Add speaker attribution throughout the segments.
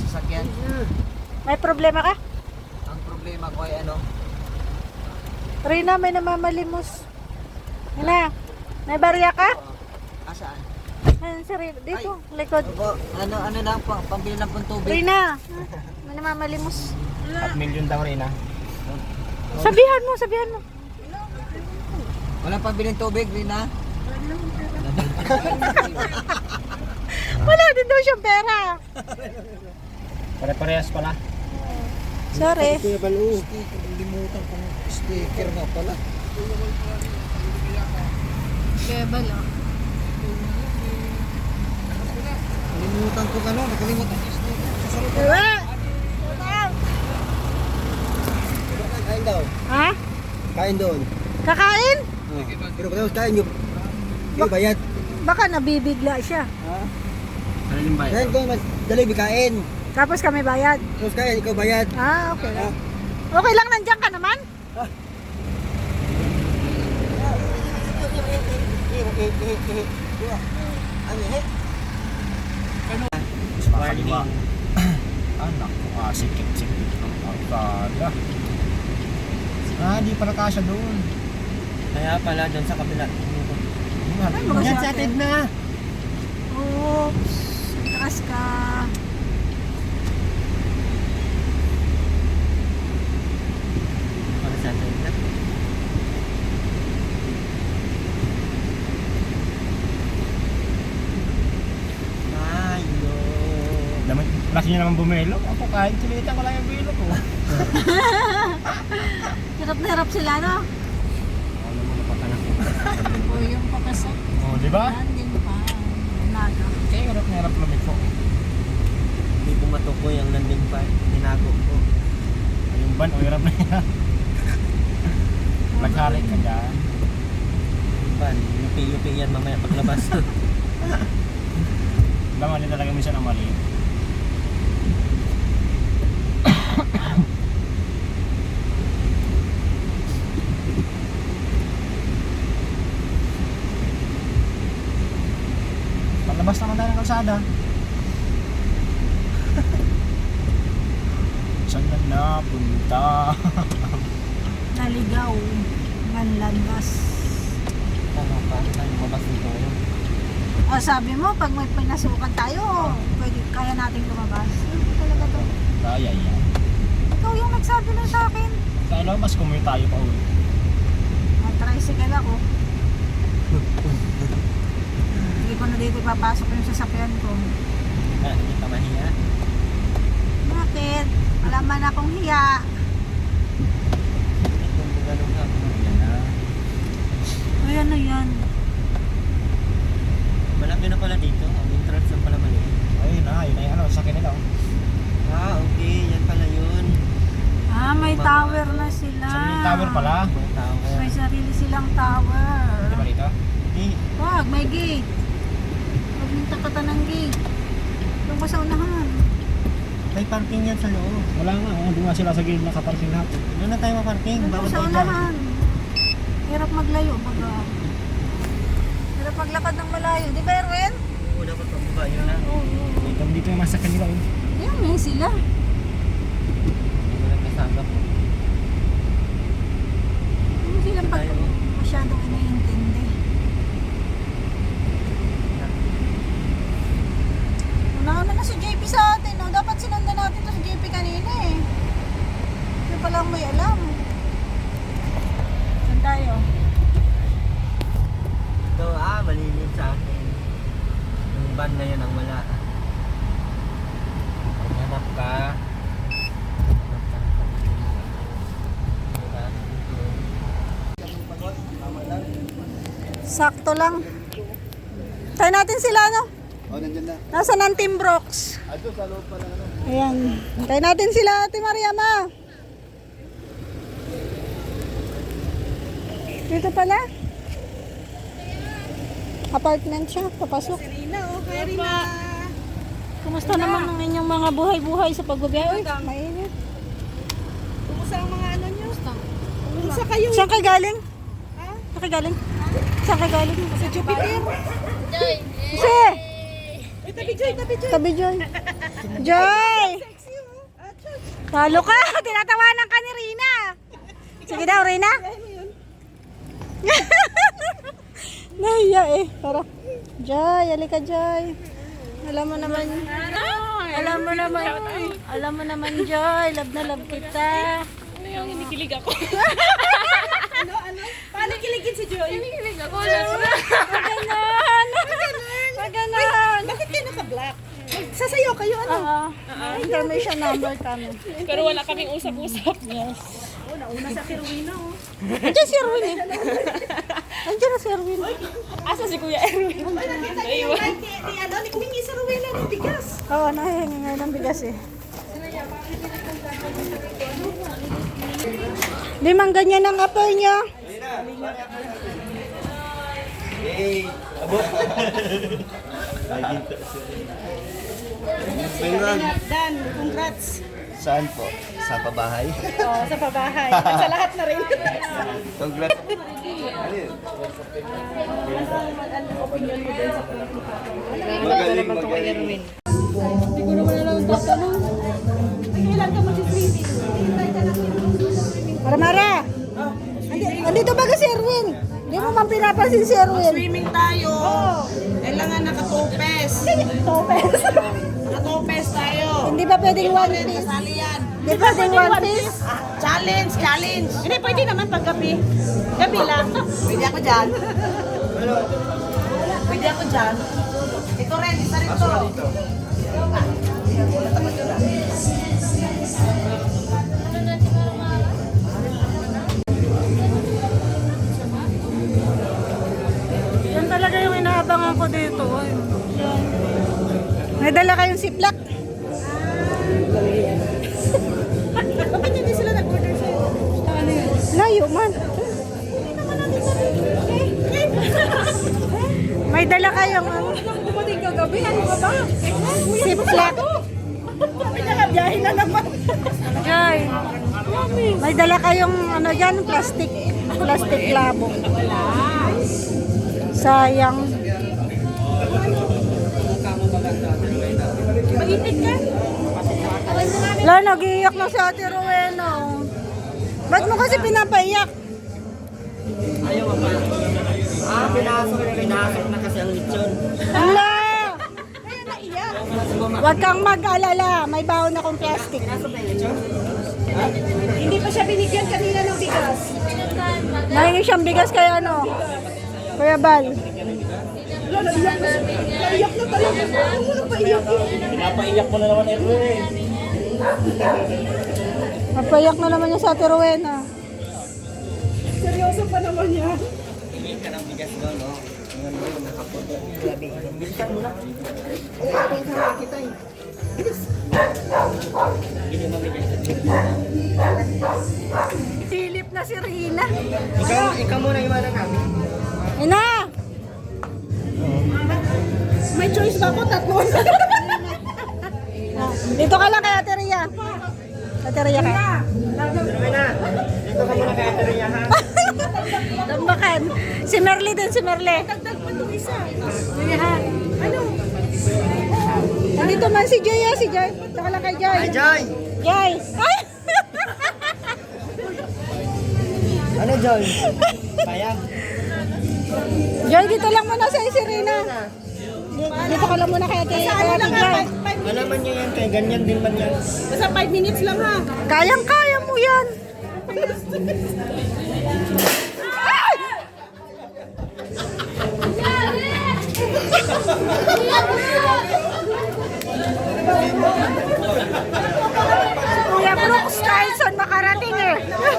Speaker 1: sasakyan.
Speaker 2: May problema ka?
Speaker 1: Ang problema ko ay ano?
Speaker 2: Rina, may namamalimos. Hina, may barya ka?
Speaker 1: Asaan?
Speaker 2: Ayan si Rina, dito, likod.
Speaker 1: Opo, ano lang po, pambili lang pong tubig.
Speaker 2: Rina, may namamalimos.
Speaker 3: 5,000,000 daw rin ah.
Speaker 2: Sabihan mo, sabihan mo.
Speaker 1: Walang pambiling tubig, Rina.
Speaker 2: Wala din daw siyang pera.
Speaker 3: Pare-parehas pala.
Speaker 2: Sorry.
Speaker 1: Sticker, limutan kong sticker nga pala.
Speaker 2: Kaya ba lang?
Speaker 1: Limutan ko ano, nakalimutan ko sticker. Sasalot ko.
Speaker 2: Diba?
Speaker 1: Kain daw.
Speaker 2: Ha?
Speaker 1: Kain doon.
Speaker 2: Kakain?
Speaker 1: Pero kung kain nyo, yung bayad.
Speaker 2: Baka nabibigla siya.
Speaker 1: Ha?
Speaker 3: Ano yung bayad?
Speaker 1: Kain ko, dali kain.
Speaker 2: Tapos kami bayad.
Speaker 1: Tapos kain, ikaw bayad.
Speaker 2: Ah, okay lang. Okay lang, nandiyan ka naman?
Speaker 3: Warning. Anak ko, sikip-sikip ng pagkada. Di pala kasya doon.
Speaker 1: Kaya pala dyan sa kabila.
Speaker 3: Yan sa atin na.
Speaker 2: Oops. Takas ka.
Speaker 1: Para sa atin na. Ayo.
Speaker 3: Kasi nyo naman bumelo. Ako kahit sinita ko lang yung bilo ko.
Speaker 2: Hirap na hirap sila, no?
Speaker 3: Ano mo napatanak ko.
Speaker 2: O, yung pakasok.
Speaker 3: Oh, di ba?
Speaker 2: Landing pa. Naga.
Speaker 3: Kaya hirap na hirap lumit ko.
Speaker 1: Hindi pumatok ko yung landing pa. Tinago ko.
Speaker 3: Yung ban, o hirap na hirap. Naghalik ka dyan.
Speaker 1: Ban, lupi-lupi yan mamaya paglabas.
Speaker 3: Mali talaga minsan ang mali. Palabas naman tayo ng kalsada. Saan na napunta?
Speaker 2: Naligaw. Manlandas.
Speaker 1: Ano pa? Tayo lumabas dito.
Speaker 2: O, sabi mo, pag may pinasukan tayo, pwede, kaya natin lumabas. Hindi talaga to.
Speaker 3: Kaya yan.
Speaker 2: Ikaw yung nagsabi na sa akin.
Speaker 3: Kaya labas kumuwi tayo pa uwi.
Speaker 2: Tricycle ako. Hindi ko na dito ipapasok yung sasakyan ko.
Speaker 1: Hindi ka mahiya.
Speaker 2: Bakit? Wala man akong hiya.
Speaker 1: Kung ganun ka, yan na.
Speaker 2: Ayan na yan.
Speaker 1: Malaki na pala dito. Ang entrance na pala mali.
Speaker 3: Ayun na, yun ay ano, sakyan nila.
Speaker 1: Okay. Yan pala yun.
Speaker 2: Ah, may tower na sila.
Speaker 3: Sarili tower pala.
Speaker 1: May tower.
Speaker 2: May sarili silang tower.
Speaker 3: Di ba dito?
Speaker 1: Hindi.
Speaker 2: Wag, may gate. Huwag mong takatan ng gate. Doon ka sa unahan.
Speaker 1: May parking yan sa loob.
Speaker 3: Wala nga, doon nga sila sa gilid nakaparking lahat.
Speaker 1: Doon na tayo maparking.
Speaker 2: Doon
Speaker 1: Bawat
Speaker 2: sa
Speaker 1: tayo dyan.
Speaker 2: unahan. Hirap maglayo, baga. Hirap maglakad ng malayo. Di ba, Erwin?
Speaker 1: Oo, dapat pababa yun na.
Speaker 2: Oo.
Speaker 3: Dito yung masakyan nila.
Speaker 2: Yan, may sila.
Speaker 1: Hindi ko lang kasama po.
Speaker 2: Hindi silang pag masyadong iniintindi. Unahan na si JP sa atin. No? Dapat sinundan natin to si JP kanina eh. Hindi pa lang may alam. Saan tayo?
Speaker 1: Ito, malilim sa akin. Yung van na yun ang wala. Hanap ka.
Speaker 2: Sakto lang. Tayo natin sila, no?
Speaker 1: Oh, nandiyan na.
Speaker 2: Nasaan ang Team Brooks?
Speaker 1: Ado, sa loob pa lang ano.
Speaker 2: Ayan. Tayo natin sila, Ate Mariama. Dito pala. Apartment siya, papasok.
Speaker 4: Rina, okay Rina.
Speaker 2: Kumusta naman ang inyong mga buhay-buhay sa pagbabiyahe? Uy, mainit.
Speaker 4: Kumusta ang mga ano nyo? Kumusta kayo?
Speaker 2: Saan kayo galing?
Speaker 4: Ha?
Speaker 2: Saan kayo galing? Saan kayo galing?
Speaker 4: Sa Jupiter?
Speaker 2: Kasi,
Speaker 4: Ay, tabi Joy, tabi Joy.
Speaker 2: tabi Joy. Joy! Talo ka! Tinatawanan ka ni Rina! Sige daw, Rina! Nahiya eh. Tara. Joy, halika Joy. Alam mo naman. Alam mo naman Joy. Love na love kita.
Speaker 4: Yung hinikilig ako. Paano kiligin si Joy? Hinikilig ako.
Speaker 2: Maganon.
Speaker 4: Bakit kayo naka-black? Sasayaw kayo, ano?
Speaker 2: Information number kami.
Speaker 4: Pero wala kaming usap-usap.
Speaker 2: Yes.
Speaker 4: Nauna sa Kirwina, oh.
Speaker 2: Andiyan si Erwin eh. Andiyan na si Erwin.
Speaker 4: Asa si Kuya Erwin? Naiwan. Ni kumingi sa Rowena ng bigas.
Speaker 2: Oo, nahihingi ngayon ng bigas eh. Limang ganyan ang apoy niyo.
Speaker 1: Hey, abot. Tingnan.
Speaker 4: Dan, congrats.
Speaker 1: Saan po? Sa pabahay?
Speaker 4: Oh, sa pabahay. At sa lahat na rin.
Speaker 1: Congrats. Magaling, magaling.
Speaker 4: Kailan ka mag-swimming?
Speaker 2: Mara! Andito ba si Erwin? Hindi mo man pinapansin si Erwin.
Speaker 4: Swimming tayo. Kailangan nakatopes.
Speaker 2: Topes.
Speaker 4: Nakatopes tayo.
Speaker 2: Hindi ba pwedeng one piece?
Speaker 4: Kasali yan.
Speaker 2: Hindi ba pwedeng one piece?
Speaker 4: Challenge. Hindi, pwede naman pag gabi. Gabi lang. Pwede ako dyan. Pwede ako dyan. Ito rin, isa rin to.
Speaker 2: Yan talaga yung inaabangan ko dito. May dala kayong siplak?
Speaker 4: Bakit hindi sila nag-order sa'yo?
Speaker 2: Layo man. May dala kayong
Speaker 4: Pumating kagabi, ano ka ba?
Speaker 2: siplak.
Speaker 4: Pinakabiyahin na naman.
Speaker 2: Joy. May dala kayong ano dyan, plastic labo. Sayang.
Speaker 4: Mainit ka?
Speaker 2: Wala, nag-iiyak na si Ate Rowena. Ba't mo kasi pinapaiyak?
Speaker 1: Ayaw pa. Pinasok na kasi ang lechon.
Speaker 2: Hala!
Speaker 4: Kaya naiyak.
Speaker 2: Huwag kang mag-alala. May baon akong plastic.
Speaker 4: Hindi pa siya binigyan kanina ng bigas.
Speaker 2: Nahingi siyang bigas kaya ano? Kuya Bal.
Speaker 4: Naiyak na talaga. Ano pa iyak yun?
Speaker 3: Pinapaiyak mo na naman Erwin.
Speaker 2: Magpaiyak na naman niya sa Ate Rowena.
Speaker 4: Seryoso pa naman yan.
Speaker 1: Hindi ka ng bigas doon, no? Ngayon mo yung nakapot. Grabe. Bilisan mo na. Hindi mo mabigas.
Speaker 2: Silip na si Rina.
Speaker 1: Ikaw muna iwanan namin.
Speaker 2: Ina!
Speaker 4: May choice ba ako? Tatlo.
Speaker 2: Dito ka lang kay Ate Ria. Ate Ria ka.
Speaker 1: Rowena, dito ka muna kay Ate Ria, ha?
Speaker 2: Tambakan. Si Merly din, si Merly.
Speaker 4: Dagdag pa itong isa.
Speaker 2: Ano? Nandito man si Joy, si Joy. Dito ka lang kay Joy.
Speaker 1: Hi, Joy!
Speaker 2: Joy! Ay!
Speaker 1: Ano, Joy? Payag.
Speaker 2: Joy, dito lang muna sa Rina. Dito ka lang muna kay Ate Joy.
Speaker 1: Malaman niya yan, kaya ganyan din man yan.
Speaker 4: Basta 5 minutes lang ha.
Speaker 2: Kayang-kaya mo yan. Ay! Kuya Brooks Carlson makarating eh.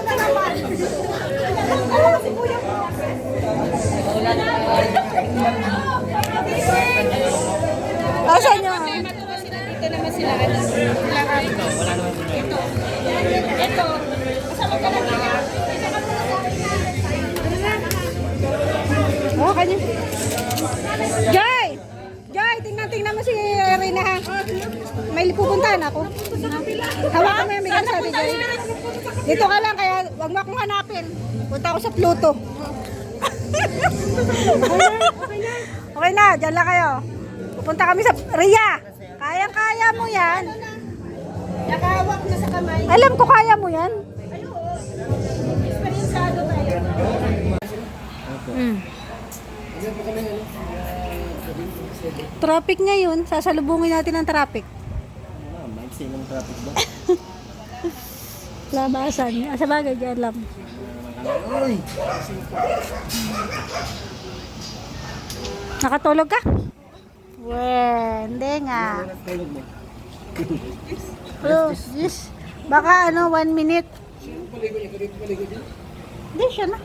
Speaker 2: Asan niya?
Speaker 4: Dito naman sila. Ito. Kasama ka na nila.
Speaker 2: Oh, kanya. Joy! Joy, tingnan mo si Rina ha. May pupuntahan ako. Hawakan mo yung bigas sa atin, Joy. Dito ka lang, kaya wag mo akong hanapin. Punta ako sa Pluto. Okay na, dyan lang kayo. Pupunta kami sa Ria. Kayang-kaya mo yan.
Speaker 4: hawak na sa kamay.
Speaker 2: Alam ko kaya mo yan.
Speaker 4: Ay, oo. Eksperyensado tayo.
Speaker 2: Mm. Traffic ngayon, sasalubungin natin ang traffic.
Speaker 1: Maiksi ng traffic ba?
Speaker 2: Labasan. Sa bagay, dyan lang.
Speaker 1: Uy!
Speaker 2: Nakatulog ka? Hindi nga.
Speaker 1: Tulog mo.
Speaker 2: Oh, yes. Baka 1 minute. Hindi, siya na.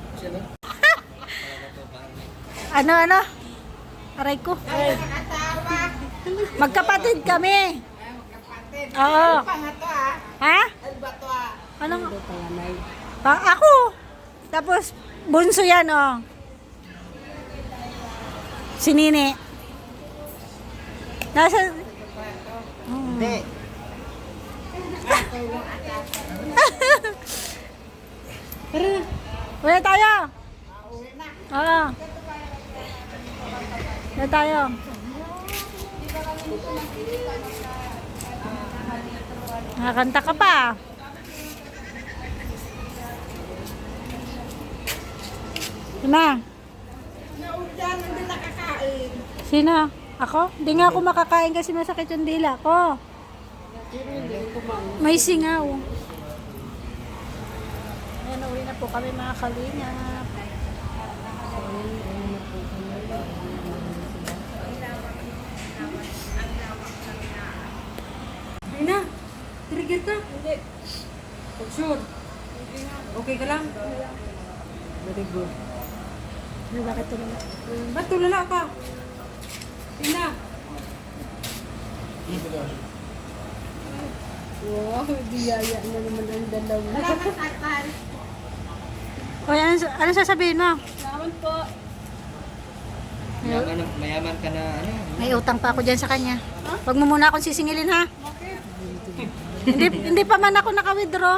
Speaker 2: Ano? Aray ko. Magkapatid kami. Oo. Ha? Ano? Ako. Tapos, bunso yan, oh. Si Nini. Nasa...
Speaker 1: Hindi.
Speaker 2: Uwi tayo. Oo. Uwi tayo. Nakakanta ka pa. Sina? Sino? Ako? Hindi nga ako makakain kasi masakit yung dila ko. May singaw. Ayan, uwi na po kami mga kalingap.
Speaker 5: Ay na, trigger ka. Hindi. For sure. Okay ka lang? Very good.
Speaker 2: Ano, bakit tulala?
Speaker 5: Ba't tulala ka? Tina. Wow, biyaya na naman ang dalawa.
Speaker 2: Oy, ano sasabihin mo?
Speaker 5: Salamat po.
Speaker 1: Mayaman ka na ano?
Speaker 2: May utang pa ako dyan sa kanya. Huwag mo muna akong sisingilin, ha? hindi pa man ako naka-withdraw.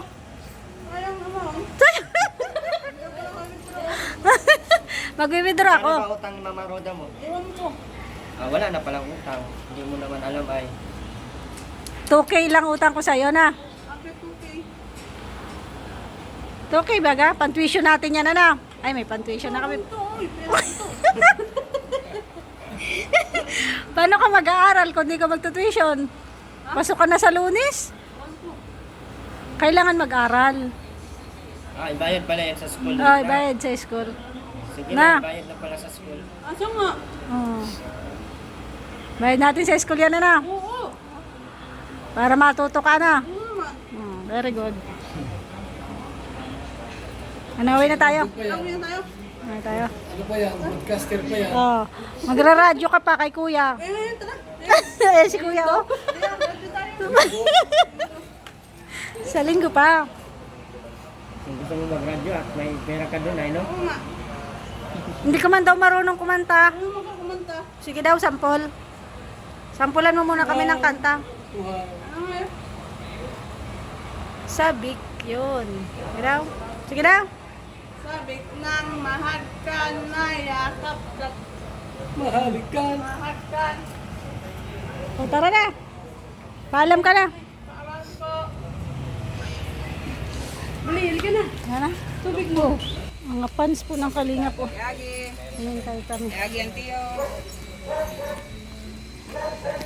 Speaker 2: Mag-withdraw ako.
Speaker 1: Ano ba utang ni Mama Roda mo?
Speaker 5: Ewan ko.
Speaker 1: Wala na palang utang. Hindi mo naman alam ay.
Speaker 2: 2K lang utang ko sa'yo na.
Speaker 5: After 2K.
Speaker 2: 2K baga? Pan-tuition natin yan, ano? Ay, may pan-tuition na kami. Paano ka mag-aaral kung di ka magtutuition? Pasok ka na sa Lunes? Kailangan mag-aral.
Speaker 1: Ibayad pala yan sa school.
Speaker 2: Ay, bayad sa school.
Speaker 1: Sige
Speaker 2: Na.
Speaker 1: na, ibayad na pala sa school.
Speaker 5: Asa nga?
Speaker 2: Oh. Bayad natin sa school yan, ano?
Speaker 5: Oo.
Speaker 2: Para matuto ka na.
Speaker 5: Oo.
Speaker 2: Very good. Ano, uwi na tayo?
Speaker 5: Uwi na tayo.
Speaker 2: Uwi tayo.
Speaker 3: Ano pa yan? Podcaster pa yan.
Speaker 2: Oh, magra-radyo ka pa kay kuya.
Speaker 5: Tara.
Speaker 2: Ayan si kuya, oh. Sa linggo pa.
Speaker 1: Kung gusto mo mag-radio at may pera ka doon ay no?
Speaker 5: Oo nga.
Speaker 2: Hindi ka man daw marunong kumanta.
Speaker 5: Ano mo ka kumanta?
Speaker 2: Sige daw, sampol. Sampulan mo muna kami ng kanta.
Speaker 5: Ano nga yun?
Speaker 2: Sabik, yun. Sige daw. Sige daw.
Speaker 5: Sabik ng mahagkan na yakap ka.
Speaker 3: Mahalikan.
Speaker 5: Mahagkan.
Speaker 2: O, tara na. Paalam ka na.
Speaker 5: Paalam po. Bali, ka na.
Speaker 2: Yan na.
Speaker 5: Tubig mo.
Speaker 2: Mga fans po ng Kalinga po.
Speaker 5: Yagi.
Speaker 2: Ayan tayo kami.
Speaker 5: Yagi ang tiyo.